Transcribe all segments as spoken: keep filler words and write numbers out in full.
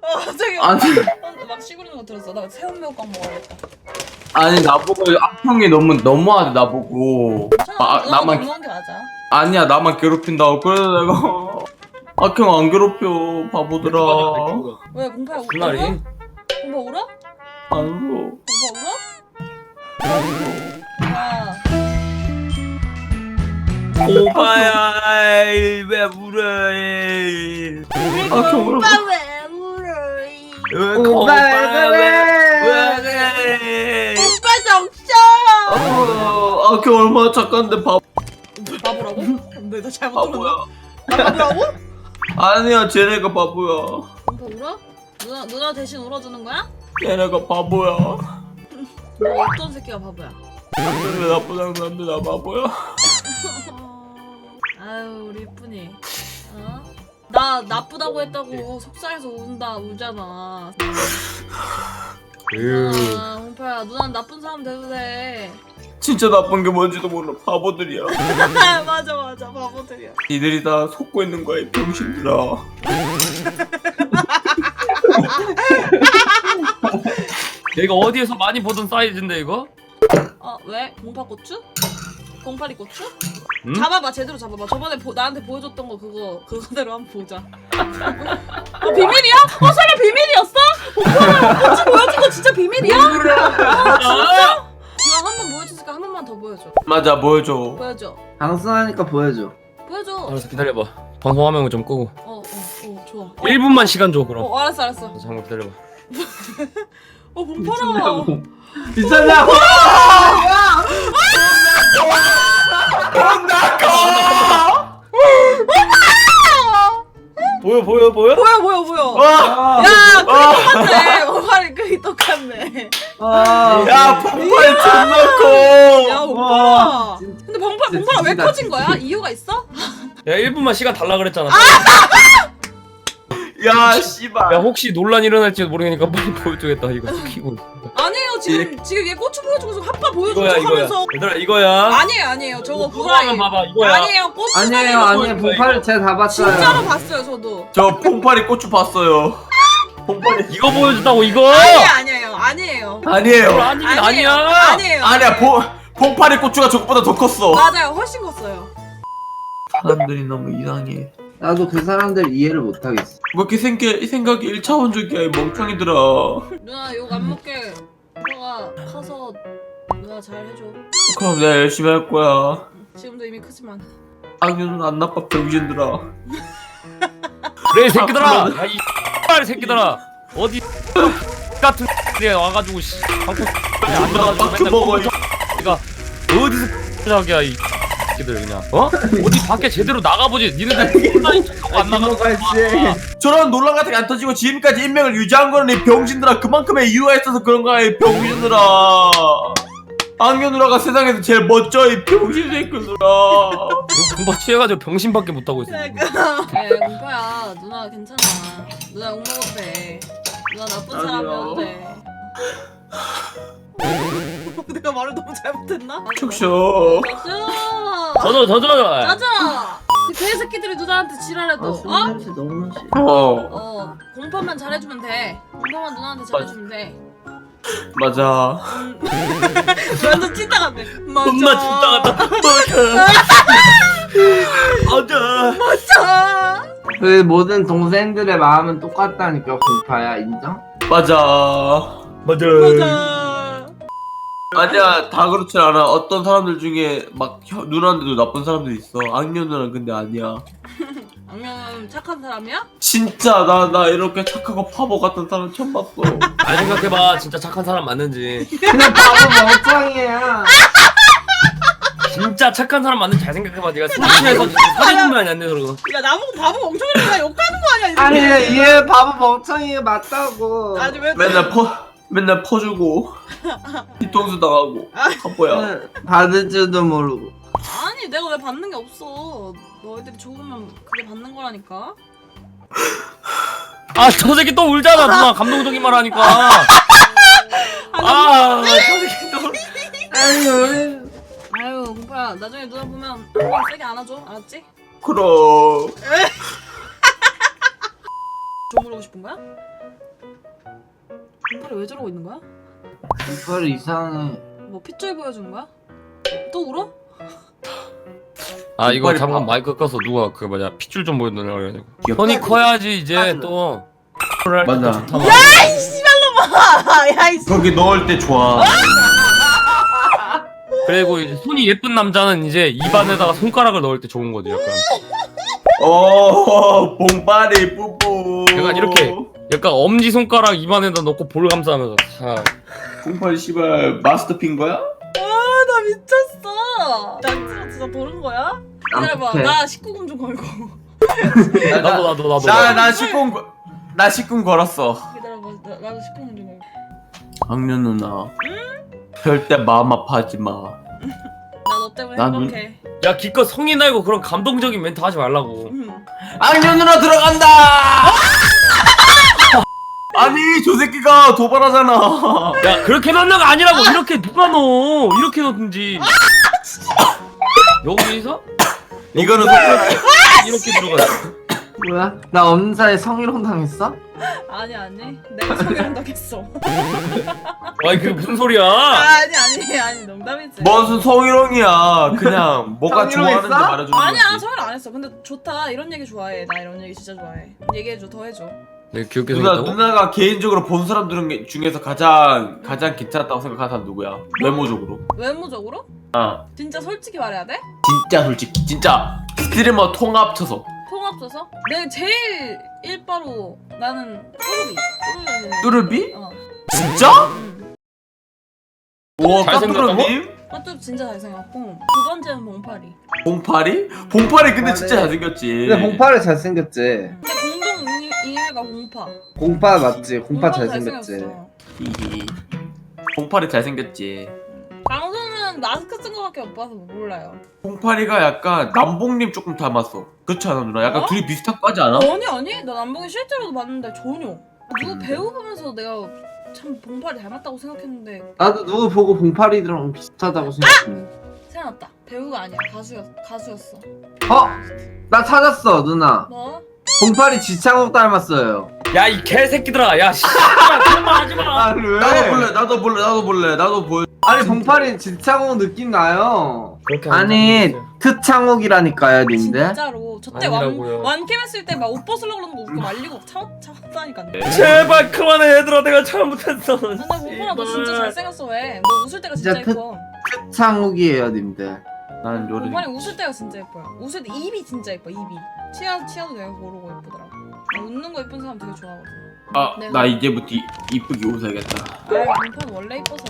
어 갑자기 아니 어, 막 시구리는 거 들었어. 나 새우 매운탕 먹어야겠다. 아니 나보고 악평이 너무 너무하대 나보고. 아, 아, 나만 너무한 게 맞아. 아니야 나만 괴롭힌다고. 그래서 내가 악평 안 괴롭혀 바보들아. 왜 공파 울어? 그날이 공파 울어? 안 울어. 공파 울어? 야 오빠야 왜 울어? 악평 울어. 왜 울어? 오빠 왜 그래? 왜? 오빠 정셔. 아, 악평 얼마나 착한데 바 바보라고? 근데 나 잘못 바보야. 들었나? 나 바보라고? 아니야 쟤네가 바보야. 공파 울어? 누나 누나 대신 울어주는 거야? 쟤네가 바보야. 너 어떤 새끼가 바보야? 왜 나쁜 사람들 나 바보야? 아유 우리 이쁜이 어? 나 나쁘다고 했다고 속상해서 운다 울잖아. 아 홍파야 누나는 나쁜 사람 돼도 돼. 진짜 나쁜 게 뭔지도 몰라 바보들이야. 맞아 맞아 바보들이야. 니들이 다 속고 있는 거야 이 병신들아. 얘가 어디에서 많이 보던 사이즈인데 이거? 어 왜? 공파고추? 공파리 고추? 응? 잡아봐 제대로 잡아봐. 저번에 보, 나한테 보여줬던 거 그거 그거대로 한번 보자. 어 비밀이야? 어 설마 비밀이었어? 공파랑 고추 보여준 거 진짜 비밀이야? 아 진짜? 기왕 한 번 보여줬으니까 한 번만 더 보여줘. 맞아 보여줘. 보여줘. 방송하니까 보여줘. 보여줘. 알았어 기다려봐. 방송 화면 좀 끄고 어어어 어, 좋아. 일 분만 시간 줘 그럼. 어 알았어 알았어. 잠깐 기다려봐. 어 봉파라. 미쳤냐고! 보여 보여 보여? 뭐야 뭐야 뭐야. 와! 야 크기 똑같네. 봉파리 크기 똑같네. 와! 야 폭발 존나 커. 야 와, 봉파라. 진짜- 근데 봉파 진짜 봉파라 왜 지지다, 커진 거야? 지지. 이유가 있어? 야 일 분만 시간 달라 그랬잖아. 야 씨발. 야 혹시 논란 일어날지도 모르니까 빨리 보여주겠다 이거 키고. 아니에요 지금 지금 얘 고추 보여주고 합파 보여주고 이거야 이거야. 하면서. 얘들아 이거야. 아니에요 아니에요 저거 그거 구라예요. 하면 봐봐 이거야. 아니에요 고추 아니에요, 아니에요. 봉파를 제가 다 봤어요. 진짜로 봤어요 저도. 저 퐁파리 고추 봤어요. 퐁파리 이거 보여준다고 이거? 아니에요 아니에요 아니에요. 아니에요. 이거 아니긴 아니야. 아니에요. 아니야 퐁 퐁파리 고추가 저것보다 더 컸어. 맞아요 훨씬 컸어요. 사람들이 너무 이상해. 나도 그 사람들 이해를 못 하겠어. 뭐 이렇게 생각 생각이 일차원적이야 이 멍청이들아. 누나 욕 안 먹게 오빠가 커서 누나 잘 해줘. 그럼 내가 열심히 할 거야. 지금도 이미 크지만. 악녀는 안 나빠 병신들아. 그래 이 새끼들아. 야이 X발 새끼들아. 어디 같은 데 와가지고 씨 방콕 안 들어가지고 빡 맨날 먹어. 내가 어디서 자기야 이 새끼들 그냥 어? 어디 밖에 제대로 나가보지. 니네들 온라인 척하고 안 나가는 거야. 저런 논란 같은 게 안 터지고 지금까지 인맥을 유지한 거는 이 병신들아. 그만큼의 이유가 있어서 그런 거야 이 병신들아. 악녀 누나가 세상에서 제일 멋져 이 병신 새끼들아. 금방 취해가지고 병신밖에 못하고 있어 지금. 에 공파야 누나 괜찮아. 누나 욕 먹어도 돼. 누나 나쁜 아니요. 사람이어도 돼. 내가 말을 너무 잘못했나? 축쇼. 짜자. 저저 저저 짜자. 그 개새끼들이 누나한테 지랄해도 아, 술 어? 냄새 너무 나. 어 어 공파만 잘해주면 돼. 공파만 누나한테 잘해주면 돼. 맞아. 완전 찐따 같네. 맞아. 겁나 진짜 같다. 맞아. 맞아. 그 모든 동생들의 마음은 똑같다니까 공파야 인정? 맞아. 맞아. 맞아. 아니야 다 그렇진 않아. 어떤 사람들 중에 막 혀- 누나한테도 나쁜 사람들 있어. 악녀 누나는 근데 아니야. 악녀는 착한 사람이야? 진짜 나 나 이렇게 착하고 파보 같은 사람 처음 봤어. 잘 생각해봐 진짜 착한 사람 맞는지. 그냥 바보 멍청이야. 진짜 착한 사람 맞는지 잘 생각해봐. 네가 술취해서 사진만 안 내서 그러고. 야 나보고 바보 멍청이니까 욕하는 거 아니야? 아니 얘 바보 멍청이 맞다고. 아니 왜? 맨날 퍼 맨날 퍼주고 뒤통수 당하고 파보야. 받을 줄도 모르고. 아니 내가 왜 받는 게 없어. 너희들이 좋으면 그게 받는 거라니까. 아 저 새끼 또 울잖아 누나 감동적인 말 하니까. 아저 새끼 또. 아니 우리 아유 공파야 나중에 누나 보면 한번 세게 안아줘 알았지? 그럼 좀 물어보고 싶은 거야? 공팔이 왜 저러고 있는 거야? 이빨 이상해. 뭐 핏줄 보여주는 거야? 또 울어? 아 이거 이빨이 잠깐 봐. 마이크 꺼서 누가 그 뭐냐 핏줄 좀 보여달라고 그래가지고 귀엽다. 손이 커야지 이제 또 맞아. 좋다. 야이 씨발놈아! 야이 씨. 거기 넣을 때 좋아. 그리고 이제 손이 예쁜 남자는 이제 입안에다가 손가락을 넣을 때 좋은 거지 약간. 오, 봉파리 뿌뿌. 약간 이렇게. 약간 엄지 손가락 입안에다 넣고 볼 감싸면서 싹. 봉파리 씨발 마스터피인 거야? 아, 나 미쳤어. 나 진짜 도는 거야? 기다려봐. 어떡해. 나 십구 금 좀 걸고. 나도 나도 나도. 나나 십군 나 십군 걸었어. 기다려봐. 나, 나도 십구 금 좀 걸고. 악녀 누나. 절대 마음 아파하지 마. 나 너 때문에 나 눈- 행복해. 야 기껏 성이 나고 그런 감동적인 멘트 하지 말라고. 음. 악녀 누나 들어간다. 아니 저 새끼가 도발하잖아. 야 그렇게 넣는 거 아니라고. 이렇게 누가 넣어. 이렇게 넣든지. 여기서 이거는 이렇게 들어가. 뭐야? 나 없는 사이에 성희롱 당했어? 아니 아니. 내가 성형당했어. 아니 그게 무슨 소리야? 아니 아니 아니 농담이지. 무슨 성희롱이야. 그냥 뭐가 성희롱 좋아하는지 했어? 말해주는 아니야 거지. 성형 안 했어. 근데 좋다. 이런 얘기 좋아해. 나 이런 얘기 진짜 좋아해. 얘기해줘. 더 해줘. 내가 귀엽게 누나 생겼다고? 누나가 개인적으로 본 사람 들 중에서 가장 가장 괜찮았다고 생각하는 사람 누구야? 외모적으로. 외모적으로? 아 진짜 솔직히 말해야 돼? 진짜 솔직히 진짜 스트리머 통합쳐서 통합쳐서? 내 제일 일바로 나는 뚜루비. 뚜르비? 어. 진짜? 응. 와 잘생겼다고? 까뚜루님? 뚜루비 진짜 잘생겼고 두 번째는 봉파리. 봉파리? 봉파리 근데 진짜 봉파리. 잘생겼지. 근데 봉파를 잘생겼지. 근데 공동 이- 이해가 공파. 공파 맞지? 공파 공파도 잘생겼지. 잘생겼어. 히히. 봉파리 잘생겼지. 강수는 마스크 쓴 거밖에 못 봐서 몰라요. 봉파리가 약간 남봉님 조금 닮았어. 그렇지 않아 누나? 약간 어? 둘이 비슷한 거 하지 않아? 아니 아니 나 남봉이 실제로도 봤는데 전혀. 누구 음. 배우 보면서 내가 참 봉파리 닮았다고 생각했는데 나도 누구 보고 봉파리랑 비슷하다고 생각했는데. 생각났다. 배우가 아니야 가수였 가수였어. 어? 나 찾았어 누나. 뭐? 봉파리 지창욱 닮았어요. 야 이 개새끼들아. 야 씨. 그런 말 하지 마. 아 왜? 나도 볼래 나도 볼래 나도 볼래 나도 볼. 아니 봉파리 지창욱 느낌 나요. 그렇게 아니 트창욱이라니까요 님들. 진짜로 저때 완 아니라고요. 완캠 했을 때 막 옷 벗으려고 그러는 거 웃고 말리고 참 참다니까. 제발 그만해 얘들아. 내가 잘못했어. 근데 봉파라 너 진짜 잘생겼어 왜? 너 웃을 때가 진짜 진짜 예뻐. 트창욱이에요 님들. 나는 요리. 봉파리 웃을 때가 진짜 예뻐요. 웃을 때 입이 진짜 예뻐 입이. 치아 치아도 내가 고르고 예쁘더라고. 나 웃는 거 예쁜 사람 되게 좋아하거든. 아, 내가- 나 이제부터 이, 이쁘게 웃어야겠다. 아 봉파는 원래 예뻐서.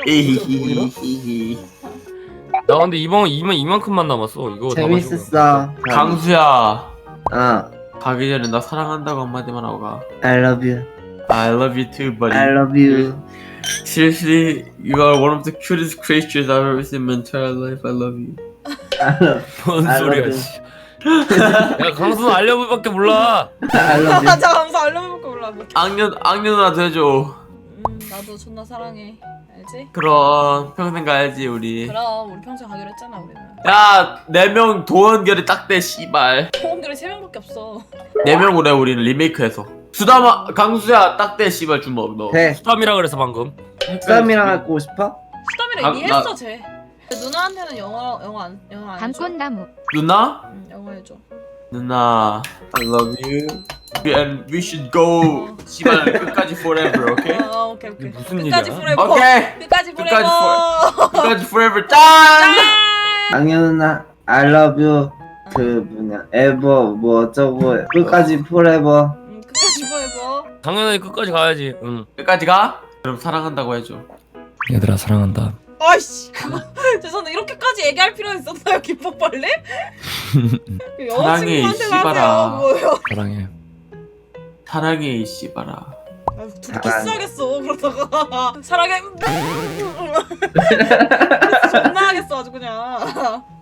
에히히히히. 나 근데 이번 이만 이만큼만 남았어. 이거 다 마시고. 재밌었어. 강수야, 어. 가기 전에 나 사랑한다고 한마디만 하고 가. I love you. I love you too, buddy. I love you. Seriously, you are one of the cutest creatures I've ever seen in my entire life. I love you. I love, 뭔 I 소리야 love 씨. 야 강수는 알려볼밖에 몰라. I love you. 맞아 감사 알려볼까 몰라. 뭐. 악녀, 악녀 누나 돼줘. 음 나도 존나 사랑해. 알지? 그럼 평생 가야지 우리. 그럼 우리 평생 가기로 했잖아 우리는. 야, 네 명 도원결이 딱대 씨발. 호응결이 세 명밖에 없어. 네 명으로 해 우리는 리메이크해서. 수다마, 강수야 딱대 씨발 주먹 너. 돼. 수담이라 그래서 방금. 쌈이랑 하고 싶어? 수담이랑 아, 이해했어 나- 쟤. 누나한테는 영어 영어 안 영어 안 해줘? 밤꽃나무 누나? 응 영어 해줘. 누나, I love you. And we should go. 씨발 끝까지 forever, okay? 어 오케이 오케이. 이게 무슨 끝까지 일이야? forever. 오케이. 끝까지 끝까지 forever. 끝까지 forever. 짠! 악녀 누나 I love you. 그 뭐냐 ever 뭐 어쩌고 끝까지 forever. 응 끝까지 forever. 당연히 끝까지 가야지. 응. 끝까지 가? 그럼 사랑한다고 해줘. 얘들아 사랑한다. 아이씨 그거 죄송한데 이렇게까지 얘기할 필요 있었나요 김밥벌레? 사랑해, 이 여자친구한테 씨발아. 하세요 뭐예요? 사랑해. 사랑해 이 씨발아. 아유, 둘이 사랑해. 키스하겠어 그러다가 사랑해 존나 하겠어 아주 그냥.